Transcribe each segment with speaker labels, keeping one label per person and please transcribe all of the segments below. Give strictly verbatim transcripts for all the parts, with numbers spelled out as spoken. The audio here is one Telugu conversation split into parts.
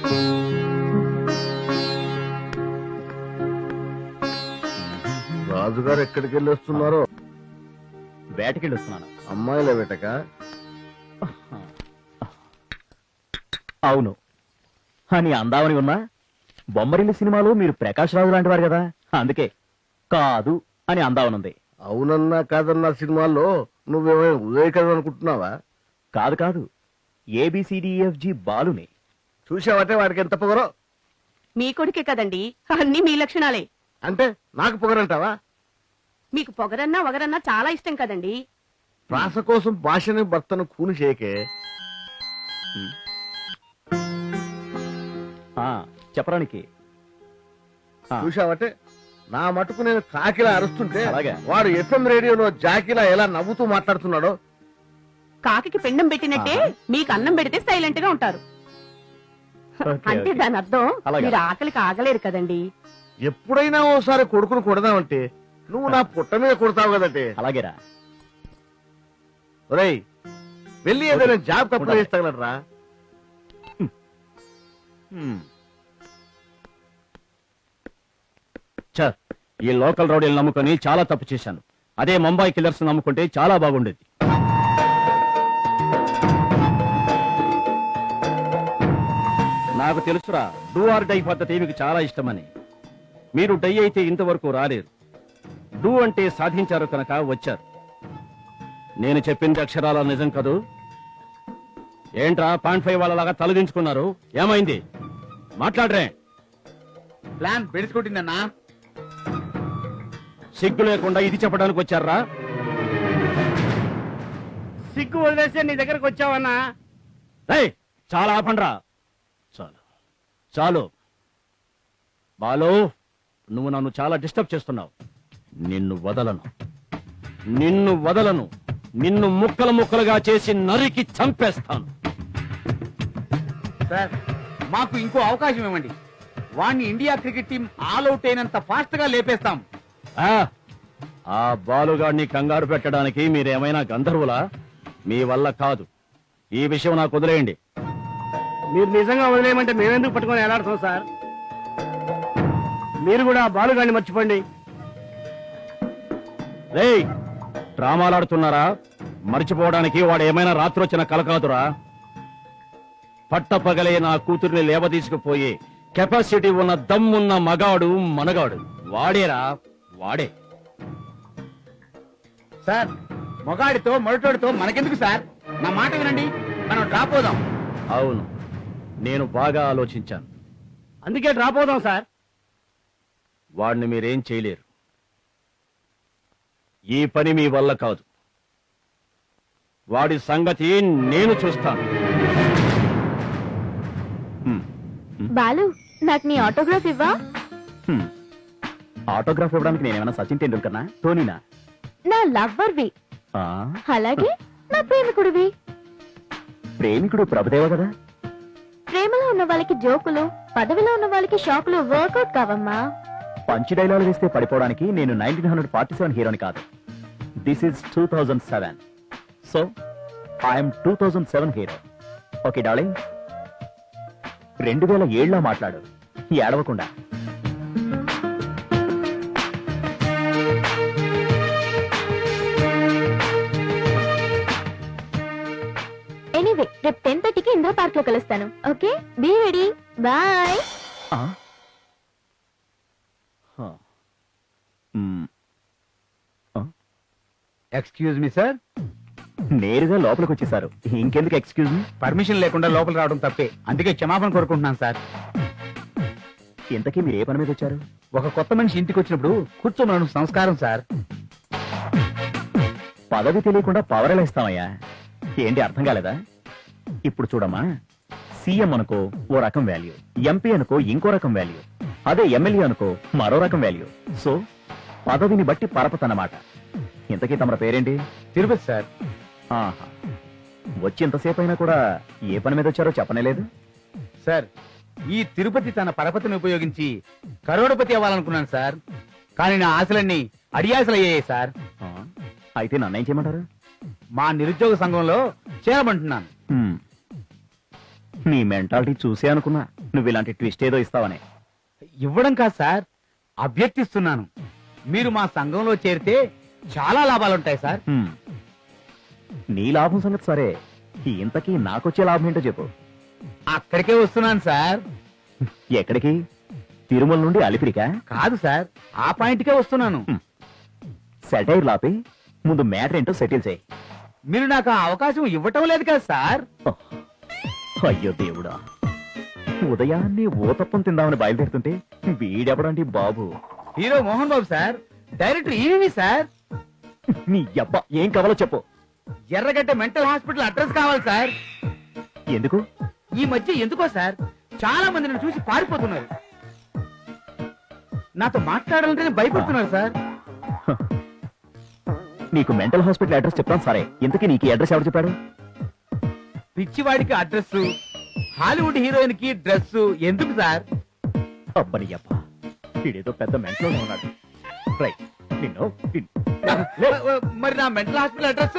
Speaker 1: రాజుగారు ఎక్కడికి వెళ్ళి వస్తున్నారో?
Speaker 2: వేటకెళ్ళి వస్తున్నాను.
Speaker 1: అమ్మాయిల వేటక?
Speaker 2: అవును. అని అందామని ఉన్నా బొమ్మరిల్లు సినిమాలో మీరు ప్రకాష్ రాజు లాంటి వారు కదా, అందుకే కాదు అని అందామనుంది.
Speaker 1: అవునన్నా కాదన్నా సినిమాల్లో నువ్వేమైనా ఉదయ్ కదా అనుకుంటున్నావా?
Speaker 2: కాదు కాదు, ఏబిసిడిఎఫ్జి బాలుని.
Speaker 1: చూసావటే వాడికి ఎంత పొగరో.
Speaker 3: మీ కొడుకే కదండి, అన్ని మీ లక్షణాలే.
Speaker 1: అంటే నాకు పొగరంటావా?
Speaker 3: మీకు పొగరన్నా వగరన్నా చాలా ఇష్టం కదండి.
Speaker 1: ప్రాస కోసం భాషని భర్తను కూని చేయకే.
Speaker 2: చెప్పడానికి
Speaker 1: చూసావటే నా మటుకు నేను కాకిలా అరుస్తుంటే
Speaker 2: అలాగే
Speaker 1: వాడు ఎఫ్ఎం రేడియోలో జాకిలా ఎలా నవ్వుతూ మాట్లాడుతున్నాడో.
Speaker 3: కాకి పిండం పెట్టినట్టే మీకు అన్నం పెడితే సైలెంట్ గా ఉంటారు. అంటే దాని అర్థం మీరు ఆకలికి ఆగలేరు కదండి.
Speaker 1: ఎప్పుడైనా ఓసారి కొడుకును కొడదామంటే నువ్వు నా పుట్ట మీద కొడతావు కదంటే.
Speaker 2: అలాగేరా.
Speaker 1: ఒరేయ్ వెళ్ళి ఏదైనా జాబ్ కప్పు చేస్తాగలరా?
Speaker 2: ఈ లోకల్ రౌడీలు నమ్ముకొని చాలా తప్పు చేశాను. అదే ముంబై కిల్లర్స్ నమ్ముకుంటే చాలా బాగుండేది. నాకు తెలుసురా, డూ ఆర్ డై పద్ధతి మీకు చాలా ఇష్టమని. మీరు డై అయితే ఇంతవరకు రాలేరు. డూ అంటే సాధించారు కనుక వచ్చారు. నేను చెప్పింది అక్షరాల నిజం కదూ? ఏంట్రా పాయింట్ ఫైవ్ వాళ్ళలాగా తలదించుకున్నారు? ఏమైంది? మాట్లాడరే.
Speaker 4: ప్లాన్ పెడుచుకుంటుందన్నా.
Speaker 2: సిగ్గు లేకుండా ఇది చెప్పడానికి వచ్చారా?
Speaker 4: సిగ్గు వదిలేస్తే నీ దగ్గరకు వచ్చావన్నా.
Speaker 2: చాలా ఆపండ్రా. చాలు చాలు బాలు, నువ్వు నన్ను చాలా డిస్టర్బ్ చేస్తున్నావు. నిన్ను వదలను, నిన్ను వదలను. నిన్ను ముక్కలు ముక్కలుగా చేసి నరికి చంపేస్తాను.
Speaker 4: సార్ మాకు ఇంకో అవకాశం ఇవ్వండి. వాణ్ణి India cricket team all out అయినంత ఫాస్ట్ గా లేపేస్తాం.
Speaker 2: ఆ బాలుగాడిని కంగారు పెట్టడానికి మీరేమైనా గంధర్వులా? మీ వల్ల కాదు. ఈ విషయం నాకు వదిలేయండి.
Speaker 4: మీరు నిజంగా వదిలేయమంటే మేమెందుకు పట్టుకొని ఎలాడుతాం సార్? మీరు కూడా బాలుగాడిని మర్చిపోండి.
Speaker 2: రేయ్, డ్రామాలాడుతున్నారా? మర్చిపోవడానికి వాడు ఏమైనా రాత్రి వచ్చిన కల కాదురా. పట్టపగలే నా కూతుర్ని లేవదీసుకుపోయి కెపాసిటీ ఉన్న దమ్మున్న మగాడు మనగాడు వాడేరా, వాడే.
Speaker 4: సార్ మొగాడితో మొరటోడితో మనకెందుకు సార్? నా మాట వినండి, మనం డ్రాప్ అవుదాం.
Speaker 2: అవును, నేను బాగా ఆలోచించాను.
Speaker 4: అందుకే డ్రాప్ అవుదాం సార్.
Speaker 2: వాడిని మీరేం చేయలేరు. ఈ పని మీ వల్ల కాదు. వాడి సంగతి నేను చూస్తాను.
Speaker 5: బాలు, నాకు నీ ఆటోగ్రాఫ్ ఇవ్వా?
Speaker 2: ఆటోగ్రాఫ్ ఇవ్వడానికి నేనేమైనా సచిన్ టెండూల్కర్నా, ధోనీనా?
Speaker 5: నా లవ్వర్వి, అలాగే నా ప్రేమికుడివి.
Speaker 2: ప్రేమికుడు ప్రభుదేవ కదా.
Speaker 5: ప్రేమలో ఉన్న వాళ్ళకి జోకులు, పదవిలో ఉన్న వాళ్ళకి షాకులు వర్కౌట్ కావమ్మా.
Speaker 2: పంచి డైలాగ్ వేస్తే పడిపోవడానికి నేను నైన్టీన్ హండ్రెడ్ ఫార్టీ సెవెన్ హీరోని కాదు. This is two thousand seven. So I'm two thousand seven hero. Okay darling, రెండు వేల ఏళ్ళలో మాట్లాడు, ఏడవకుండా.
Speaker 5: ఎనీవే, రేపు టెన్ థర్టీకి ఇంద్ర పార్క్ లో కలుస్తాను. Okay, be ready. Bye.
Speaker 4: Excuse me sir.
Speaker 2: నేరుగా లోపలికి వచ్చేసారు, ఇంకెందుకు ఎక్స్క్యూజ్ మీ?
Speaker 4: పర్మిషన్ లేకుండా లోపల రావడం తప్పే, అందుకే క్షమాపణ కోరుకుంటున్నాను సార్.
Speaker 2: ఇంతకీ మీరు ఏ పని మీద వచ్చారు?
Speaker 4: ఒక కొత్త మనిషి ఇంటికి వచ్చినప్పుడు కూర్చోమనడం సంస్కారం సార్.
Speaker 2: పదవి తెలియకుండా పవర్ ఎలా ఇస్తామయ్యా? ఏంటి అర్థం కాలేదా? ఇప్పుడు చూడమ్మా, సీఎం అనుకో ఓ రకం వాల్యూ, ఎంపీ అనుకో ఇంకో రకం వాల్యూ, అదే ఎమ్మెల్యే అనుకో మరో రకం వాల్యూ. సో పదవిని బట్టి పరపతన్నమాట. ఇంతకీ తమ పేరేంటి?
Speaker 4: తిరుపతి సార్.
Speaker 2: ఆహా, వచ్చి ఎంతసేపు అయినా కూడా ఏ పని మీద వచ్చారో చెప్పనేలేదు
Speaker 4: సార్. ఈ తిరుపతి తన పరపతిని ఉపయోగించి కరోడపతి అవ్వాలనుకున్నాను సార్, కానీ నా ఆశలన్నీ అడియాసలు అయ్యాయి సార్.
Speaker 2: అయితే నన్నేం చేయమంటారు?
Speaker 4: మా నిరుద్యోగ సంఘంలో చేరమంటున్నాను.
Speaker 2: నీ మెంటాలిటీ చూసే అనుకున్నా. నువ్వు ఇలాంటి ట్విస్ట్ ఏదో ఇస్తావని.
Speaker 4: ఇవ్వడం కాదు సార్, అభ్యర్థిస్తున్నాను. మీరు మా సంఘంలో చేరితే చాలా లాభాలుంటాయి సార్.
Speaker 2: హ్మ్. నీ లాభం సంగతి సరే, ఇంతకీ నాకొచ్చే లాభం ఏంటో చెప్పు.
Speaker 4: అక్కడికే వస్తున్నాను సార్.
Speaker 2: ఎక్కడికి? తిరుమల నుండి అలిపిరికా?
Speaker 4: కాదు సార్, ఆ పాయింట్కే వస్తున్నాను.
Speaker 2: సెటైర్ లాపి ముందు మ్యాటర్ ఏంటో సెటిల్ చేయి.
Speaker 4: మీరు నాకు ఆ అవకాశం ఇవ్వటం లేదు కదా సార్.
Speaker 2: ఓహ్, అయ్యో దేవుడా, ఉదయాన్నే ఊతప్పం తిందామని బయలుదేరుతుంటే వీడెవడండి బాబు?
Speaker 4: Hero Mohan Babu sir, director EVV sir.
Speaker 2: నీ అబ్బా ఏం కావాలో చెప్పు.
Speaker 4: ఎర్రగడ్డ మెంటల్ హాస్పిటల్ అడ్రస్ కావాలి సార్.
Speaker 2: ఎందుకు?
Speaker 4: ఈ మధ్య ఎందుకో సార్ చాలా మంది నన్ను చూసి పారిపోతున్నారు. నాతో మాట్లాడాలంటేనే భయపడుతున్నారు సార్.
Speaker 2: నీకు మెంటల్ హాస్పిటల్ అడ్రస్ చెప్తాను సరే, ఇంతకీ నీకు ఈ అడ్రస్ ఎవరు చెప్పాడు?
Speaker 4: పిచ్చివాడికి అడ్రస్, హాలీవుడ్ హీరోయిన్ కి డ్రెస్ ఎందుకు సార్?
Speaker 2: అబ్బని అబ్బా, వీడేదో పెద్ద మెంటలో ఉన్నాడు. రైట్, నిన్ను నిన్ను-
Speaker 4: మరి నా మెంటల్ హాస్పిటల్ అడ్రస్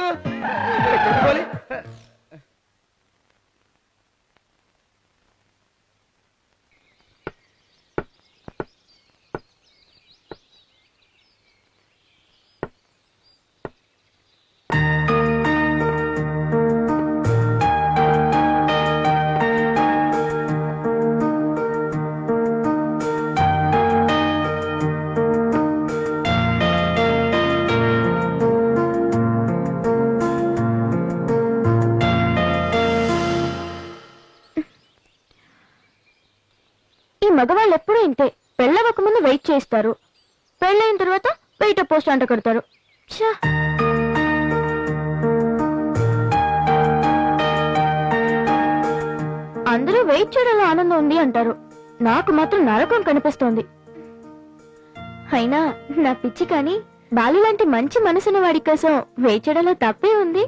Speaker 5: మగవాళ్ళు ఎప్పుడూ ఇంతే, పెళ్ళవక ముందు వెయిట్ చేస్తారు, పెళ్ళైన తర్వాత వెయిట్ పోస్ట్ అంట కడతారు. ఛా! అందరూ వెయిట్ చేయడంలో ఆనందం ఉంది అంటారు, నాకు మాత్రం నరకం కనిపిస్తోంది. అయినా నా పిచ్చి కానీ బాలు లాంటి మంచి మనసున్న వాడి కోసం వెయిట్ చేయడంలో తప్పే ఉంది.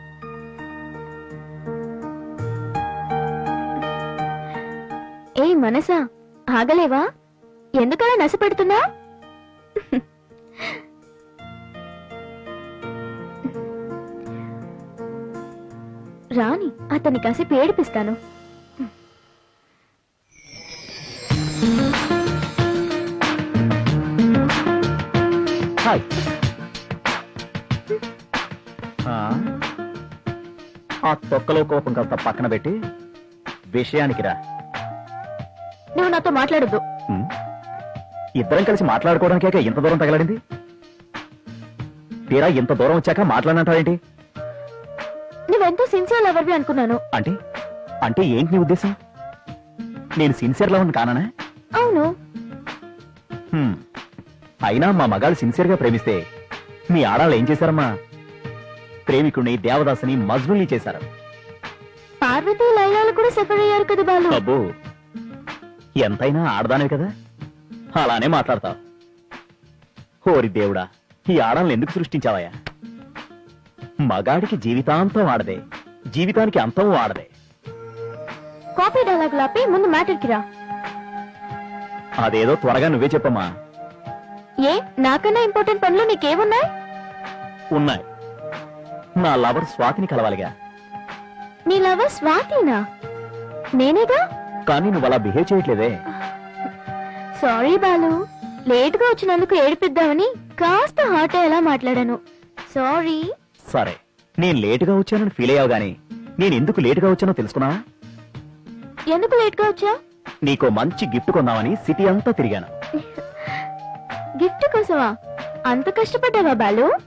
Speaker 5: ఏ మనసా, ఆగలేవా? ఎందుకలా నశపెడుతున్నా? రాని అతన్ని కాసేపు ఏడిపిస్తాను.
Speaker 2: హాయ్. ఆ, ఆ తొక్కలో కోపం కాస్త పక్కన పెట్టి విషయానికి రా.
Speaker 5: నువ్వు నాతో మాట్లాడద్దు.
Speaker 2: ఉమ్, ఇద్దరం కలిసి మాట్లాడుకోవడానికే ఇంత దూరం తగలడింది. తీరా ఇంత దూరం వచ్చాక మాట్లాడనంటావేంటి?
Speaker 5: నువ్వెంతో సిన్సియర్ లవర్వి అనుకున్నాను.
Speaker 2: అంటే అంటే ఏంటి నీ ఉద్దేశం? నేను సిన్సియర్ లవర్ కానా?
Speaker 5: అవును.
Speaker 2: హ్మ్. అయినా మా మగాళ్ళు సిన్సియర్ గా ప్రేమిస్తే మీ ఆడాళ్ళు ఏం చేశారమ్మా? ప్రేమికుడిని, దేవదాసుని, మజ్నుల్ని చేశారు.
Speaker 5: పార్వతీ లైలాలు కూడా సఫర్ అయ్యారు కదా బాలు.
Speaker 2: అబ్బో, ఎంతైనా ఆడదానివి కదా, అలానే మాట్లాడతావు. ఓరి దేవుడా, ఈ ఆడాలను ఎందుకు సృష్టించావయ్యా? మగాడికి జీవితాంతం ఆడదే, జీవితానికి అంతం ఆడదే.
Speaker 5: కాపీ డైలాగ్ లాపి ముందు మ్యాటర్కి రా.
Speaker 2: అదేదో త్వరగా నువ్వే చెప్పమ్మా.
Speaker 5: ఏ నాకన్నా ఇంపార్టెంట్ పనులు నీకేమున్నాయి?
Speaker 2: ఉన్నాయి. నా లవర్ స్వాతిని కలవాలిగా.
Speaker 5: నీ లవర్ స్వాతినా? నేనేగా.
Speaker 2: కానీ నువ్వు అలా బిహేవ్ చేయట్లేదే.
Speaker 5: సారీ బాలు, లేట్ గా వచ్చినందుకు ఏడిపిద్దామని కాస్త హాట్ అయ్యేలా మాట్లాడాను. సారీ.
Speaker 2: సరే, నేను లేటుగా వచ్చానని ఫీల్ అయ్యావు గానీ నేను ఎందుకు లేటుగా వచ్చానో తెలుసుకున్నావా?
Speaker 5: ఎందుకు లేట్ గా వచ్చా?
Speaker 2: నీకో మంచి గిఫ్ట్ కొందామని సిటీ అంతా తిరిగాను.
Speaker 5: గిఫ్ట్ కోసమా? అంత కష్టపడ్డావా బాలు?